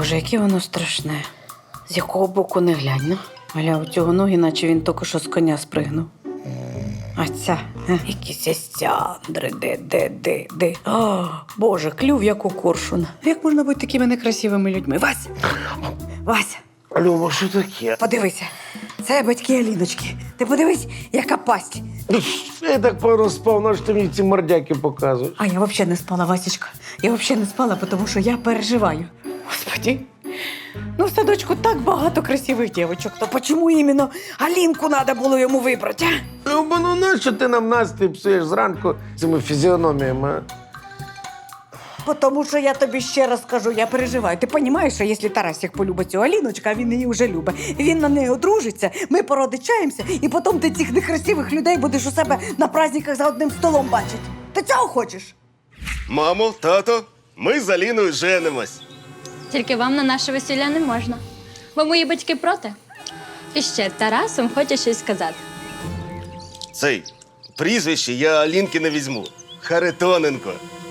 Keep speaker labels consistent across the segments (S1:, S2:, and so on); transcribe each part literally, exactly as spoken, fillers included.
S1: Боже, яке воно страшне. З якого боку не глянь, ну. Аля, у цього ноги, наче він тільки що з коня спригнув. А ця, е, якісь естяндри, де, де, де, де. О, Боже, клюв, як у коршуна. Як можна бути такими некрасивими людьми? Вася! Вася!
S2: Люба, що таке?
S1: Подивися, це батьки Аліночки. Ти подивись, яка пасть.
S2: Я так певно спав, на що ти мені ці мордяки показуєш?
S1: А я взагалі не спала, Васечка. Я взагалі не спала, тому що я переживаю. Господи, ну в садочку так багато красивих дівчинок. То чому іменно Алінку треба було йому вибрати, а?
S2: Люба, ну нащо ти нам настрій псуєш зранку цими фізіономіями, а?
S1: Тому що я тобі ще раз кажу, я переживаю. Ти розумієш, що якщо Тарасик полюбить цю Аліночку, а він її вже любить, він на неї одружиться, ми породичаємося, і потім ти цих некрасивих людей будеш у себе на праздниках за одним столом бачити. Ти цього хочеш?
S3: Мамо, тато, ми з Аліною женимось.
S4: Тільки вам на наше весілля не можна. Бо мої батьки проти. І ще Тарас вам хоче щось сказати.
S3: Цей прізвище я Алінки не візьму. Харитоненко.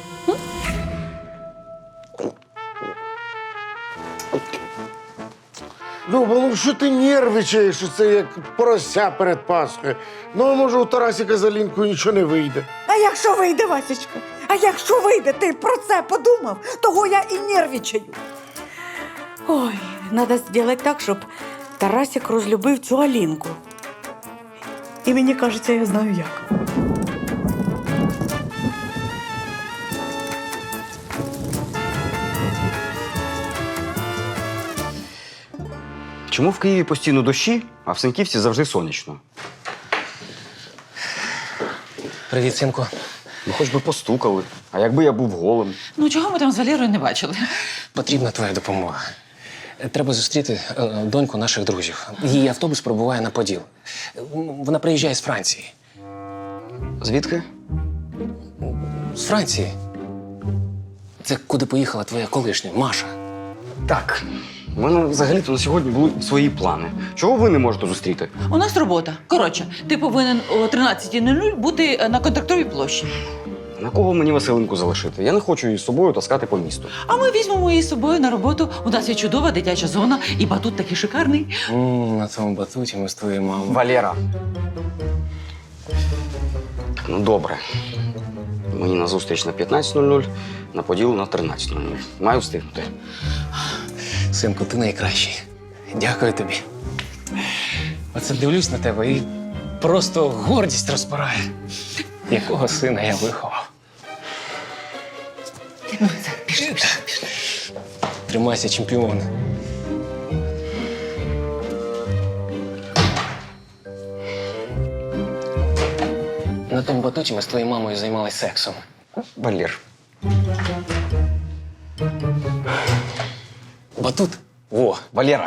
S2: Люба, ну що ти нервичаєш, що це як порося перед Пасхою? Ну, може, у Тарасика з Алінкою нічого не вийде.
S1: А якщо вийде, Васечка? А якщо вийде, ти про це подумав? Того я і нервічаю. Ой, треба зробити так, щоб Тарасик розлюбив цю Алінку. І мені кажеться, я знаю як.
S5: Чому в Києві постійно дощі, а в Сеньківці завжди сонячно?
S6: Привіт, синку.
S5: Ну, хоч би постукали. А якби я був голим?
S7: Ну, чого ми там з Валерою не бачили?
S6: Потрібна твоя допомога. Треба зустріти е, доньку наших друзів. Її автобус пробуває на Поділ. Вона приїжджає з Франції.
S5: Звідки?
S6: З Франції. Це куди поїхала твоя колишня, Маша.
S5: Так. У мене взагалі-то на сьогодні були свої плани. Чого ви не можете зустріти?
S7: У нас робота. Коротше, ти повинен о тринадцятій нуль нуль бути на Контрактовій площі.
S5: На кого мені Василинку залишити? Я не хочу її з собою таскати по місту.
S7: А ми візьмемо її з собою на роботу. У нас є чудова дитяча зона, і батут такий шикарний.
S6: М, на цьому батуті ми з твоєю мамою.
S5: Валера. Ну, добре. Мені на зустріч на п'ятнадцять нуль нуль, на Поділ на тринадцять нуль нуль. Маю встигнути.
S6: Синку, ти найкращий. Дякую тобі. Оце дивлюсь на тебе і просто гордість розпирає. Якого сина я виховав.
S7: Ну, пішли, пішли, пішли.
S6: Тримайся, чемпіон. На тому батуті ми з твоєю мамою займалися сексом.
S5: Валер.
S6: Батут? Во,
S5: Валера.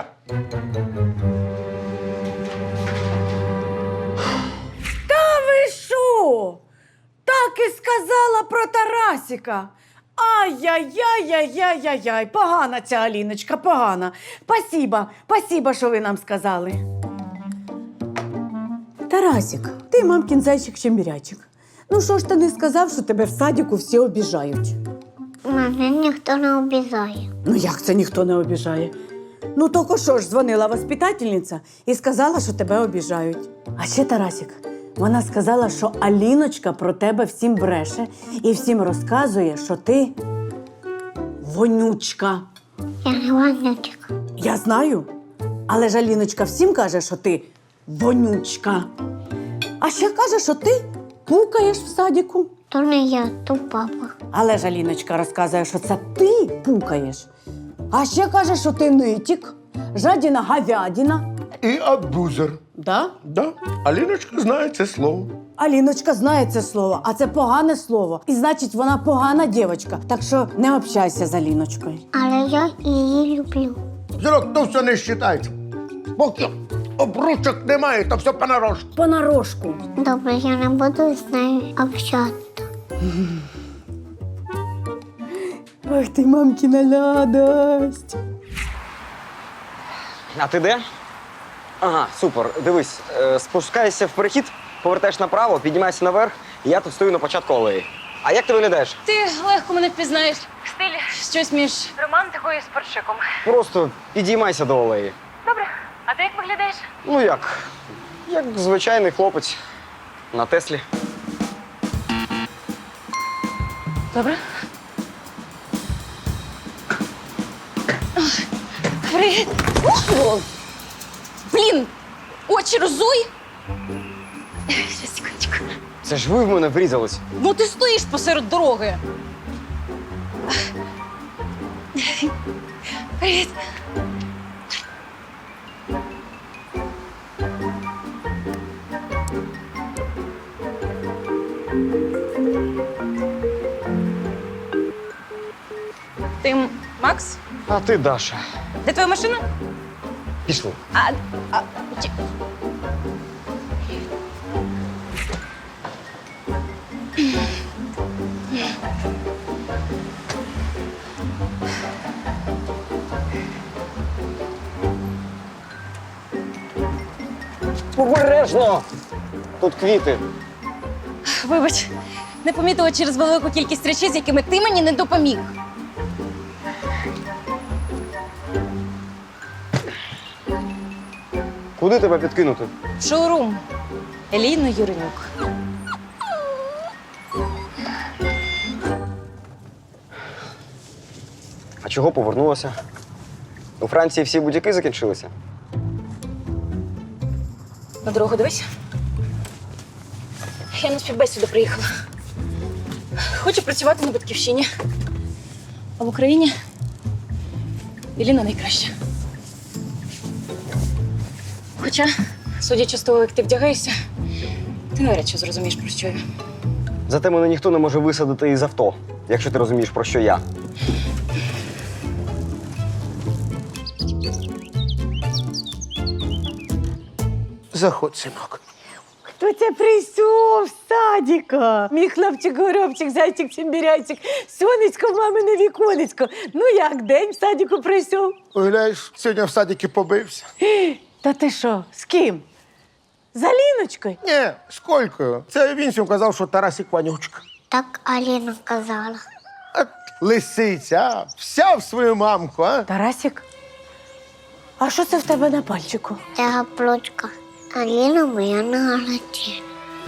S1: Ви що? Так і сказала про Тарасика. Ай-яй-яй-яй-яй-яй-яй. Погана ця Аліночка, погана. Спасіба, спасіба, що ви нам сказали. Тарасик, ти мамкін зайчик-чембірячик. Ну що ж ти не сказав, що тебе в садіку всі обіжають?
S8: Мене ніхто не обіжає.
S1: Ну як це ніхто не обіжає? Ну тільки що ж дзвонила воспитательниця і сказала, що тебе обіжають. А ще, Тарасик, вона сказала, що Аліночка про тебе всім бреше і всім розказує, що ти вонючка.
S8: Я не вонючка.
S1: Я знаю, але ж Аліночка всім каже, що ти вонючка. А ще каже, що ти пукаєш в садіку.
S8: То не я, то папа.
S1: Але ж Аліночка розказує, що це ти пукаєш. А ще каже, що ти нитік, жадіна говядина.
S2: І абузер.
S1: Да?
S2: Да? Аліночка знає це слово.
S1: Аліночка знає це слово, а це погане слово. І значить, вона погана дівчинка. Так що не общайся з Аліночкою.
S8: Але я її люблю.
S2: Зірок, то все не вважається. Поки обручок немає, то все понарошку.
S1: Понарошку.
S8: Добре, я не буду з нею общатися.
S1: Ах ти, мамкіна ладость.
S5: А ти де? Ага, супер. Дивись, е, спускайся в перехід, повертаєш направо, піднімайся наверх, і я тут стою на початку алеї. А як ти виглядаєш?
S4: Ти легко мене впізнаєш. Стиль щось між романтикою і спортшиком.
S5: Просто підіймайся до алеї.
S4: Добре. А ти як виглядаєш?
S5: Ну як? Як звичайний хлопець на Теслі.
S4: Добре. Привіт. О! Блін, очі розуй. Ще секундочку.
S5: Це ж ви в мене врізались.
S4: Ну ти стоїш посеред дороги. Привіт. Ти М- Макс?
S5: А ти, Даша.
S4: Де твоя машина?
S5: Пішли.
S4: А, а, чи-
S5: Обережно! Тут квіти.
S4: Вибач, не помітила через велику кількість речей, з якими ти мені не допоміг.
S5: Куди тебе підкинути?
S4: В шоурум. Еліна Юренюк.
S5: А чого повернулася? У Франції всі будь-які закінчилися.
S4: На дорогу дивись. Я на співбесіду приїхала. Хочу працювати на батьківщині. А в Україні Еліна найкраща. Хоча, судячи з того, як ти вдягаєшся, ти навряд чи зрозумієш, про що я.
S5: Зате мене ніхто не може висадити із авто, якщо ти розумієш, про що я.
S2: Заходь, синок.
S1: Хто це прийшов з садика? Мій хлопчик, горобчик, зайчик, чимбіряйчик, сонечко в мамине віконечко. Ну як, день в садику прийшов?
S2: Уявляєш, сьогодні в садіки побився.
S1: Та ти що, з ким? З Аліночкою?
S2: Ні, з Колькою. Це він всім казав, що Тарасик Ванючка.
S8: Так Аліна казала.
S2: А лисиця, а? Вся в свою мамку, а?
S1: Тарасик? А що це в тебе на пальчику?
S8: Це гаплочка. Аліна моя нагадає.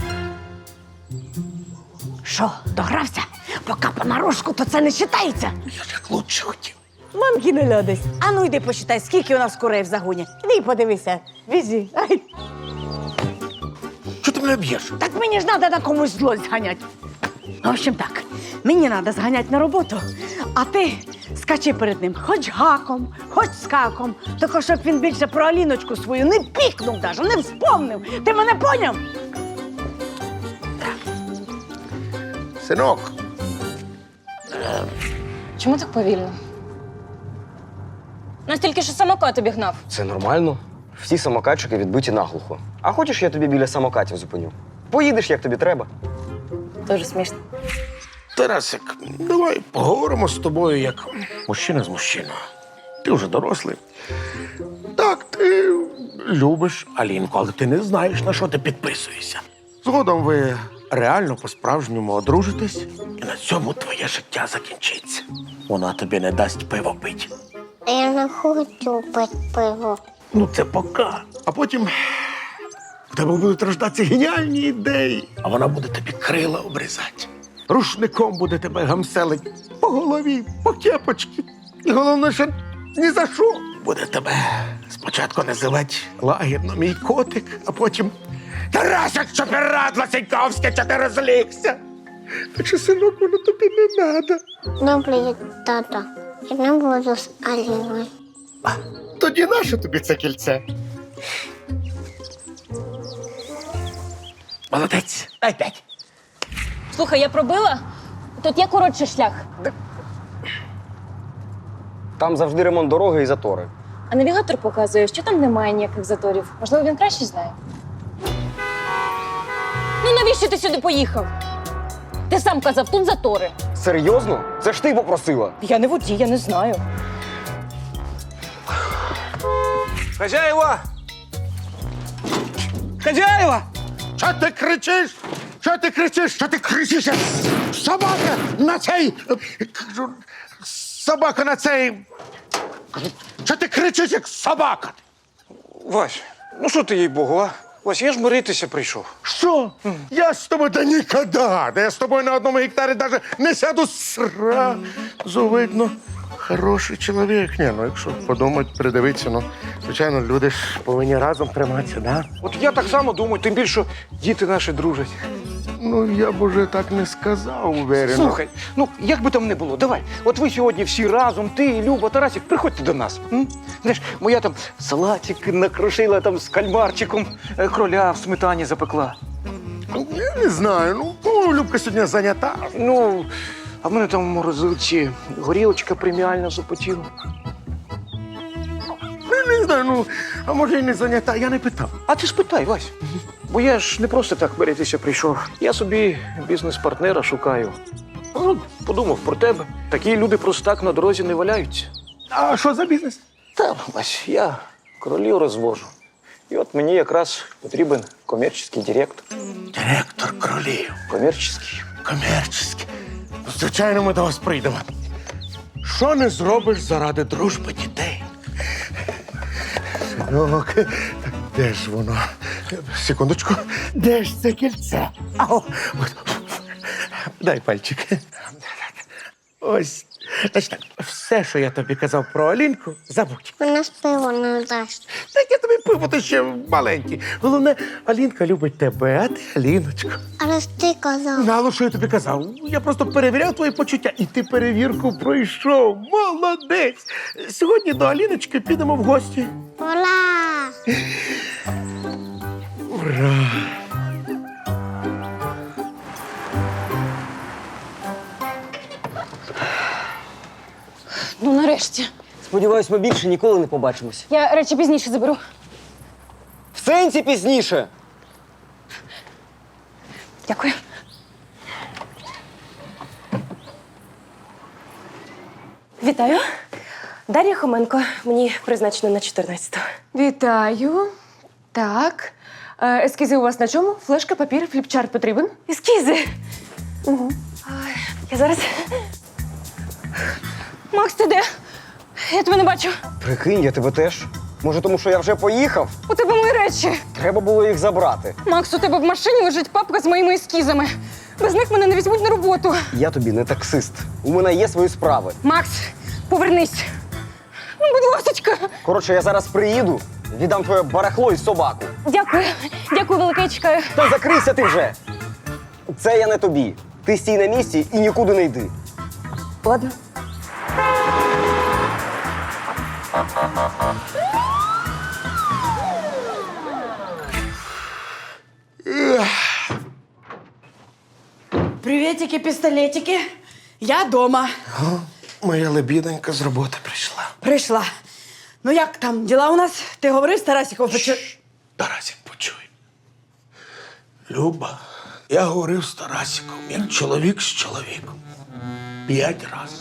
S1: Що, догрався? Поки понарошку, то це не читається.
S2: Я ж як лучше хотів.
S1: Мамки не льодись. А ну йди посчитай, скільки у нас курей в загоні. Іди подивися. Візі. Ай.
S2: Чого ти мене б'єш?
S1: Так мені ж треба на комусь злость зганяти. В общем так, мені треба зганяти на роботу, а ти скачи перед ним хоч гаком, хоч скаком, тільки щоб він більше про Аліночку свою не пікнув даже, не вспомнив. Ти мене поняв?
S2: Синок,
S4: Чому так повільно? Настільки, що самокат обігнав.
S5: Це нормально. Всі самокатчики відбиті наглухо. А хочеш, я тобі біля самокатів зупиню? Поїдеш, як тобі треба.
S4: Дуже смішно.
S2: Тарасик, давай поговоримо з тобою як мужчина з мужчиною. Ти вже дорослий. Так, ти любиш Алінку, але ти не знаєш, на що ти підписуєшся. Згодом ви реально по-справжньому одружитесь, і на цьому твоє життя закінчиться. Вона тобі не дасть пиво пити.
S8: Я не хочу пити пиво.
S2: Ну, це пока. А потім в тебе будуть рождатися геніальні ідеї, а вона буде тобі крила обрізати. Рушником буде тебе гамселить по голові, по кепочці. І головне, що ні за що. Буде тебе спочатку називати лагідно мій котик, а потім Тарасик, що пірадло Сіньковське, що ти розлігся. Так що, синок, воно тобі не треба.
S8: Добре, тато. Я не буду з Аліною.
S2: Тоді нащо тобі це кільце? Молодець. Дай п'ять.
S4: Слухай, я пробила. Тут є коротший шлях.
S5: Там завжди ремонт дороги і затори.
S4: А навігатор показує, що там немає ніяких заторів. Можливо, він краще знає. Ну навіщо ти сюди поїхав? Ти сам казав, тут затори.
S5: Серйозно? Це ж ти попросила.
S4: Я не водій, я не знаю.
S6: Хазяєва! Хазяєва!
S2: Що ти кричиш? Що ти кричиш? Що ти кричиш? як Собака на цей. Кажу, собака на цей. Кажу, що ти кричиш, як собака?
S9: Вась, ну що ти, їй Богу, а? Вась, я ж миритися прийшов.
S2: Що? Я з тобою да ніколи. Да я з тобою на одному гектарі навіть не сяду сразу видно. Хороший чоловік. Ні, ну якщо подумати, придивитися, ну, звичайно, люди ж повинні разом триматися, да?
S9: От я так само думаю, тим більше діти наші дружать.
S2: Ну, я б уже так не сказав, уверено.
S9: Слухай, ну як би там не було, давай. От ви сьогодні всі разом, ти, Люба, Тарасик, приходьте до нас. М? Знаєш, моя там салатик накрошила там з кальмарчиком, е, кроля в сметані запекла.
S2: Я не знаю, ну, ну, Любка сьогодні зайнята.
S9: Ну, а в мене там в морозилці горілочка преміальна запотіла.
S2: Ну, не знаю, ну, а може і не зайнята, я не питав.
S9: А ти спитай, Вась. Бо я ж не просто так миритися прийшов. Я собі бізнес-партнера шукаю. Ну, подумав про тебе. Такі люди просто так на дорозі не валяються.
S2: А що за бізнес?
S9: Та, Вась, я кролів розвожу. І от мені якраз потрібен комерційний директор.
S2: Директор кролів.
S9: Комерційний.
S2: Комерційний. Ну, звичайно, ми до вас прийдемо. Що не зробиш заради дружби дітей? Синок, так де ж воно? Секундочку. Де ж це кільце? Ау, от. Дай пальчик. Ось. Значить так, все, що я тобі казав про Алінку, забудь.
S8: Вона з пиво не дасть.
S2: Так я тобі пиво, ти ще маленький. Головне, Алінка любить тебе, а ти Аліночку.
S8: Але ж ти казав.
S2: Знало, що я тобі казав. Я просто перевіряв твої почуття, і ти перевірку пройшов. Молодець! Сьогодні до Аліночки підемо в гості.
S8: Ура!
S2: Ура!
S4: Ну, нарешті.
S5: Сподіваюсь, ми більше ніколи не побачимось.
S4: Я речі пізніше заберу.
S5: В сенсі пізніше.
S4: Дякую. Вітаю. Дар'я Хоменко. Мені призначено на чотирнадцяту.
S10: Вітаю. Так. Е, ескізи у вас на чому? Флешка, папір, фліпчарт потрібен?
S4: Ескізи. Угу. Я зараз. Макс, ти де? Я тебе не бачу.
S5: Прикинь, я тебе теж. Може, тому що я вже поїхав?
S10: У тебе мої речі.
S5: Треба було їх забрати.
S10: Макс, у тебе в машині лежить папка з моїми ескізами. Без них мене не візьмуть на роботу.
S5: Я тобі не таксист. У мене є свої справи.
S10: Макс, повернись. Ну, будь ласочка.
S5: Коротше, я зараз приїду, віддам твоє барахло і собаку.
S4: Дякую. Дякую, велике, я чекаю.
S5: Та закрийся ти вже! Це я не тобі. Ти стій на місці і нікуди не йди.
S4: Ладно.
S1: Привітики, пістолетики. Я дома.
S2: Моя лебідонька з роботи прийшла.
S1: Прийшла. Ну як там, діла у нас? Ти говорив з Тарасиком? Почу...
S2: Тарасик, почуй. Люба, я говорив з Тарасиком, як чоловік з чоловіком. П'ять разів.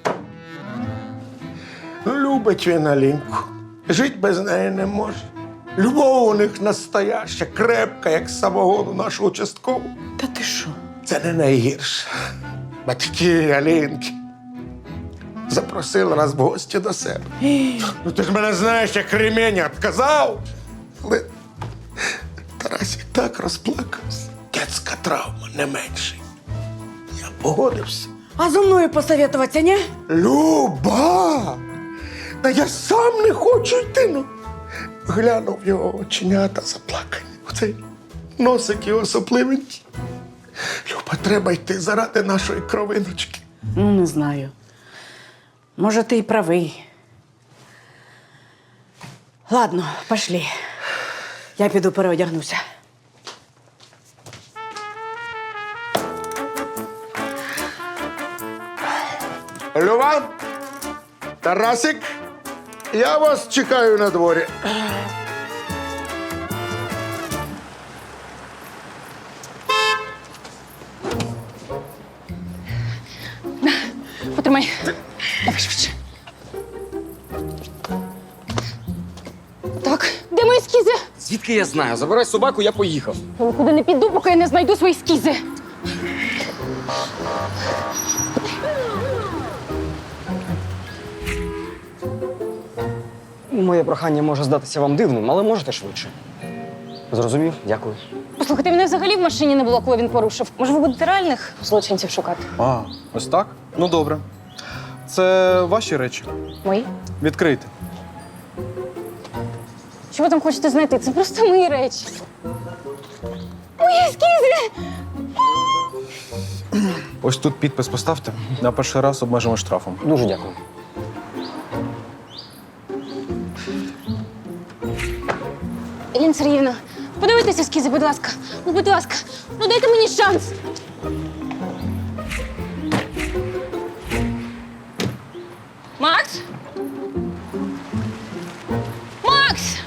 S2: Ну, любить він Алінку. Жить без неї не може. Любов у них настояща, крепка, як самогон у нашу участкову.
S1: Та ти що?
S2: Це не найгірше. Батьки Алінки запросили нас в гості до себе. Ну ти ж мене знаєш, як ремінь відказав. Але Тарасик так розплакався. Детська травма не менше. Я погодився.
S1: А зо мною посоветуватися, ні?
S2: Люба! Та я сам не хочу йти. Ну. Глянув його оченята заплакані. Оцей носик його сопливенький. Люба, треба йти заради нашої кровиночки.
S1: Ну, не знаю. Може, ти й правий. Ладно, пошли. Я піду переодягнуся.
S2: Люба, Тарасик, я вас чекаю на дворі.
S4: Потримай. Давай швидше. Так, де мої ескізи?
S5: Звідки я знаю? Забирай собаку, я поїхав.
S4: Я нікуди не піду, поки я не знайду свої ескізи.
S5: Моє прохання може здатися вам дивним, але можете швидше. Зрозумів? Дякую.
S4: Послухайте, мене взагалі в машині не було, коли він порушив. Може, ви будете реальних злочинців шукати?
S11: А, ось так? Ну добре. Це ваші речі.
S4: Мої?
S11: Відкрийте.
S4: Що ви там хочете знайти? Це просто мої речі. Мої ескізи!
S11: Ось тут підпис поставте. На перший раз обмежимо штрафом.
S5: Дуже дякую.
S4: Еліна Сергіївна, подивіться ескізи, будь ласка. Ну, будь ласка, ну дайте мені шанс. Макс? Макс!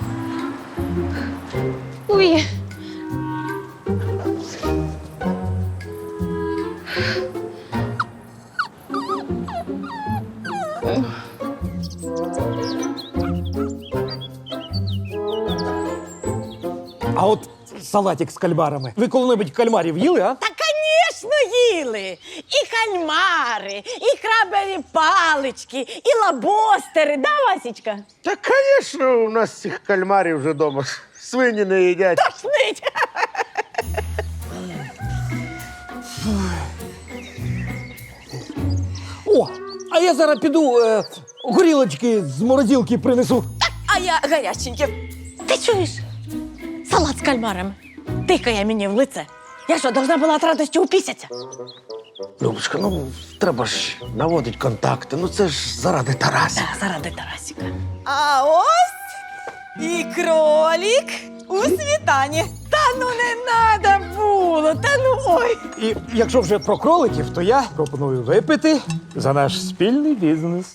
S4: Ой.
S9: А от салатик з кальмарами. Ви коли-небудь кальмарів їли, а?
S1: Та, звісно, їли. І кальмари, і крабові палички, і лабостери, да, Васічка?
S2: Та, звісно, у нас цих кальмарів вже вдома свині не їдять.
S1: Тошнить!
S9: О, а я зараз піду е, горілочки з морозилки принесу.
S1: А я гаряченьке. Ти чуєш? Салат з кальмарами. Тикає мені в лице. Я що, должна була від радості упісяться?
S2: Любочка, ну треба ж наводити контакти. Ну це ж заради Тараса.
S1: Да, заради Тарасіка. А ось і кролік у світані. Та ну не надо було, та ну ой.
S9: І якщо вже про кроликів, то я пропоную випити за наш спільний бізнес.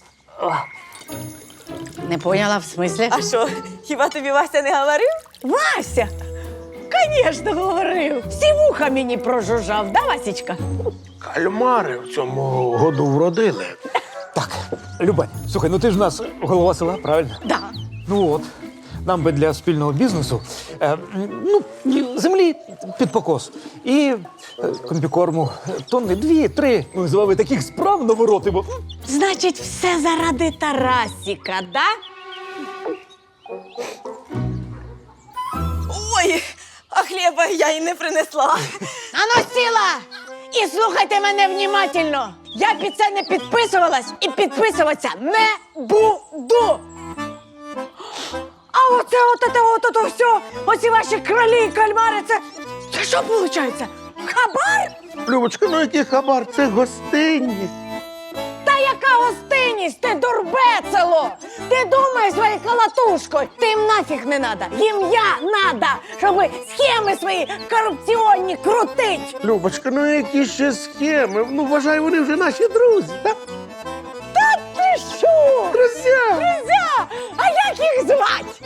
S1: Не поняла в смислі? А що, хіба тобі Вася не говорив? Вася? Звісно, говорив. Всі вуха мені прожужжав, да, Васічка?
S2: Кальмари в цьому году вродили.
S9: Так, Любань, слухай, ну ти ж у нас голова села, правильно?
S1: Да.
S9: Ну от, нам би для спільного бізнесу е, ну, і землі під покос. І е, комбікорму тонни дві-три. Ми з вами таких справ наворотимо.
S1: Значить, все заради Тарасіка, да? Ой, а хліба я й не принесла. Ану, сіла! І слухайте мене внімательно. Я під це не підписувалась і підписуватися не буду. А оце от це от, от, все, оці ваші кролі і кальмари, це, це що виходить? Хабар?
S2: Любочка, ну який хабар? Це гостинність.
S1: Та яка гостинність, ти дурбецело! Ти думай своєю колотушкою, ти їм нафіг не надо, їм я надо, щоб схеми свої корупціонні крутить.
S2: Любочка, ну які ще схеми? Ну, вважаю, вони вже наші друзі, так?
S1: Та ти що?
S2: Друзі!
S1: Друзя! А як їх звать?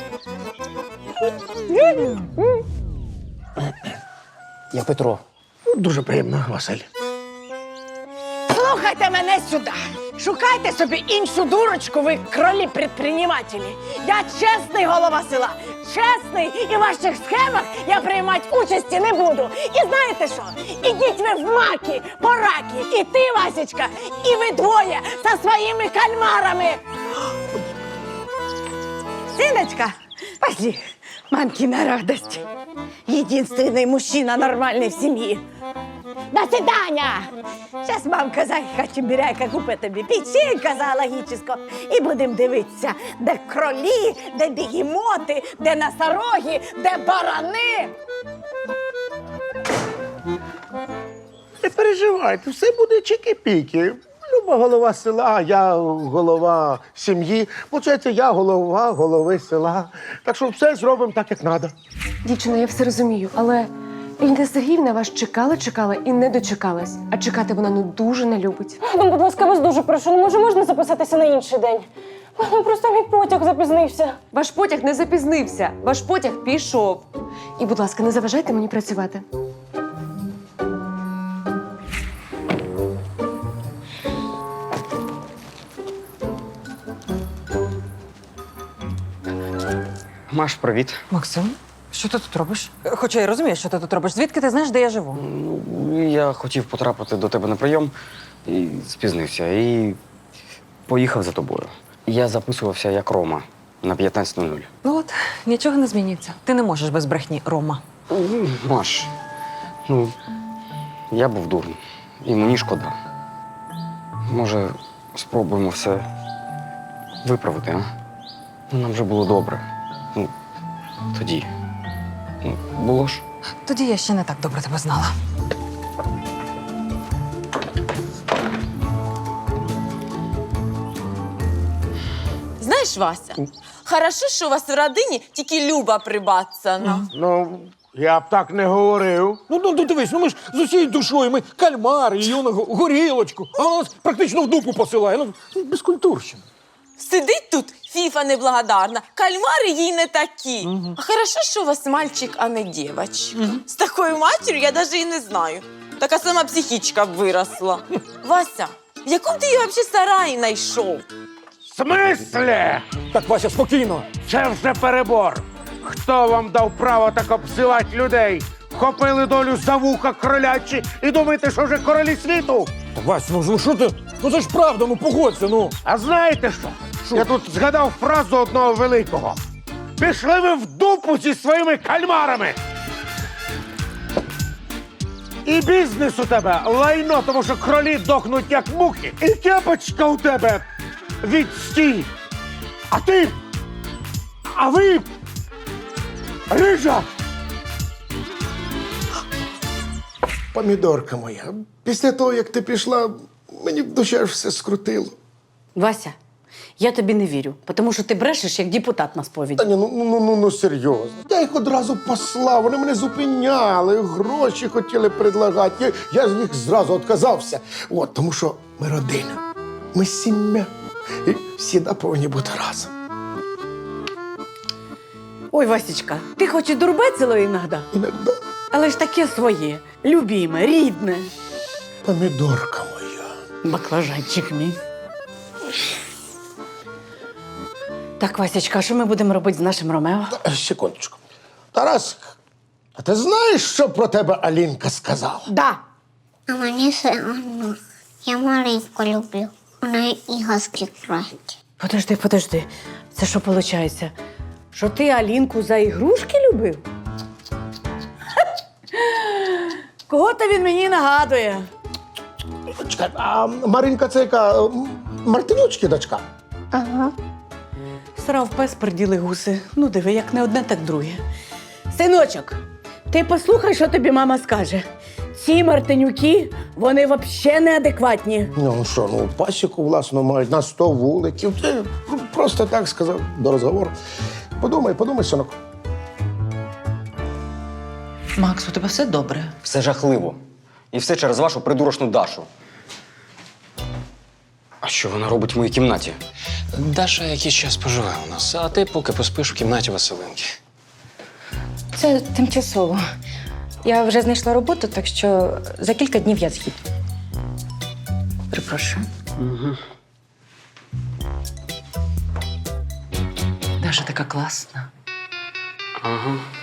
S9: Я Петро.
S2: Дуже приємно, Василь.
S1: Слухайте мене сюди. Шукайте собі іншу дурочку, ви кролі предпринимателі. Я чесний голова села. Чесний, і в ваших схемах я приймати участі не буду. І знаєте що? Ідіть ви в маки, пораки. І ти, Васечка, і ви двоє зі своїми кальмарами. Синочка, пошли. Мамкина радость. Единственный мужчина нормальный в семье. До свидания! Сейчас мамка Зайка Чебіряйка купить тобі печенька зоологічного і будемо дивитися, де кролі, де бігемоти, де носороги, де барани.
S2: Не переживайте, все буде чики-піки. Люба голова села, я голова сім'ї. Получається, я голова голови села. Так що все зробимо так, як треба.
S10: Дівчина, я все розумію, але Еліна Сергіївна вас чекала, чекала і не дочекалась. А чекати вона ну дуже не любить.
S4: Ну, будь ласка, вас дуже прошу, ну може можна записатися на інший день? Ну, просто мій потяг запізнився.
S10: Ваш потяг не запізнився, ваш потяг пішов. І, будь ласка, не заважайте мені працювати.
S5: Маш, привіт.
S12: Максим, що ти тут робиш? Хоча я розумію, що ти тут робиш. Звідки ти знаєш, де я живу?
S5: Ну, я хотів потрапити до тебе на прийом і спізнився. І поїхав за тобою. Я записувався як Рома на п'ятнадцять нуль нуль.
S12: Ну от, нічого не змінюється. Ти не можеш без брехні, Рома.
S5: Ну, Маш, ну, я був дурним. І мені шкода. Може, спробуємо все виправити, а? Ну, нам вже було добре. Ну, тоді. Ну, було ж.
S12: Тоді я ще не так добре тебе знала.
S7: Знаєш, Вася, хорошо, що у вас в родині тільки Люба прибацана.
S2: Ну, я б так не говорив.
S9: Ну, ну, ну дивись, ну ми ж з усією душою, ми кальмари, і юну горілочку, а вона нас практично в дупу посилає. Ну, безкультурщина.
S7: Сидить тут фіфа неблагодарна, кальмари їй не такі. А хорошо, що у вас мальчик, а не дівчинка. З такою матір'ю я навіть і не знаю. Така сама психічка б виросла. Вася, в якому ти її взагалі сараї знайшов?
S2: В смислі?
S9: Так, Вася, спокійно.
S2: Це вже перебор. Хто вам дав право так обзивати людей? Вхопили долю за вуха кролячі і думаєте, що вже королі світу?
S9: Так, Вася, ну ну, що ти? Ну це ж правда, ну погодься, ну.
S2: А знаєте що? Я тут згадав фразу одного великого. Пішли ви в дупу зі своїми кальмарами. І бізнес у тебе лайно, тому що кролі дохнуть як мухи. І кепочка у тебе відстій. А ти? А ви? Рижа! Помідорка моя, після того, як ти пішла, мені в душі аж все скрутило.
S1: Вася, я тобі не вірю, тому що ти брешеш, як депутат на сповіді.
S2: Та ні, ну, ну, ну, ну серйозно. Я їх одразу послав, вони мене зупиняли, гроші хотіли предлагати. Я, я з них зразу відказався. От, тому що ми родина, ми сім'я. І всі повинні бути разом.
S1: Ой, Васечка, ти хоч і дурбецило іноді,
S2: Іногда
S1: але ж таке своє, любіме, рідне.
S2: помідорка моя.
S1: Баклажанчик мій. Так, Васечка, а що ми будемо робити з нашим Ромео?
S2: Та, секундочку. Тарасик, а ти знаєш, що про тебе Алінка сказала?
S1: Да.
S8: А мені все одно. Я маленьку люблю. Вона іграшки краще.
S1: Подожди, подожди. Це що виходить? Що ти Алінку за ігрушки любив? Кого то він мені нагадує?
S2: Чекай, а Маринка це яка? м, Мартинючки дочка?
S8: Ага.
S1: Срав пес, приділи гуси. Ну, диви, як не одне, так друге. Синочок, ти послухай, що тобі мама скаже. Ці Мартинюки, вони взагалі неадекватні.
S2: Ну що, ну пасіку власну мають на сто вуликів. Ти просто так сказав до розговору. Подумай, подумай, синок.
S7: Макс, у тебе все добре?
S5: Все жахливо. І все через вашу придурочну Дашу. А що вона робить в моїй кімнаті?
S6: Даша якийсь час поживе у нас, а ти поки поспиш в кімнаті Василинки.
S4: Це тимчасово. Я вже знайшла роботу, так що за кілька днів я з'їду.
S7: Перепрошую.
S5: Угу.
S7: Даша така класна.
S5: Ага.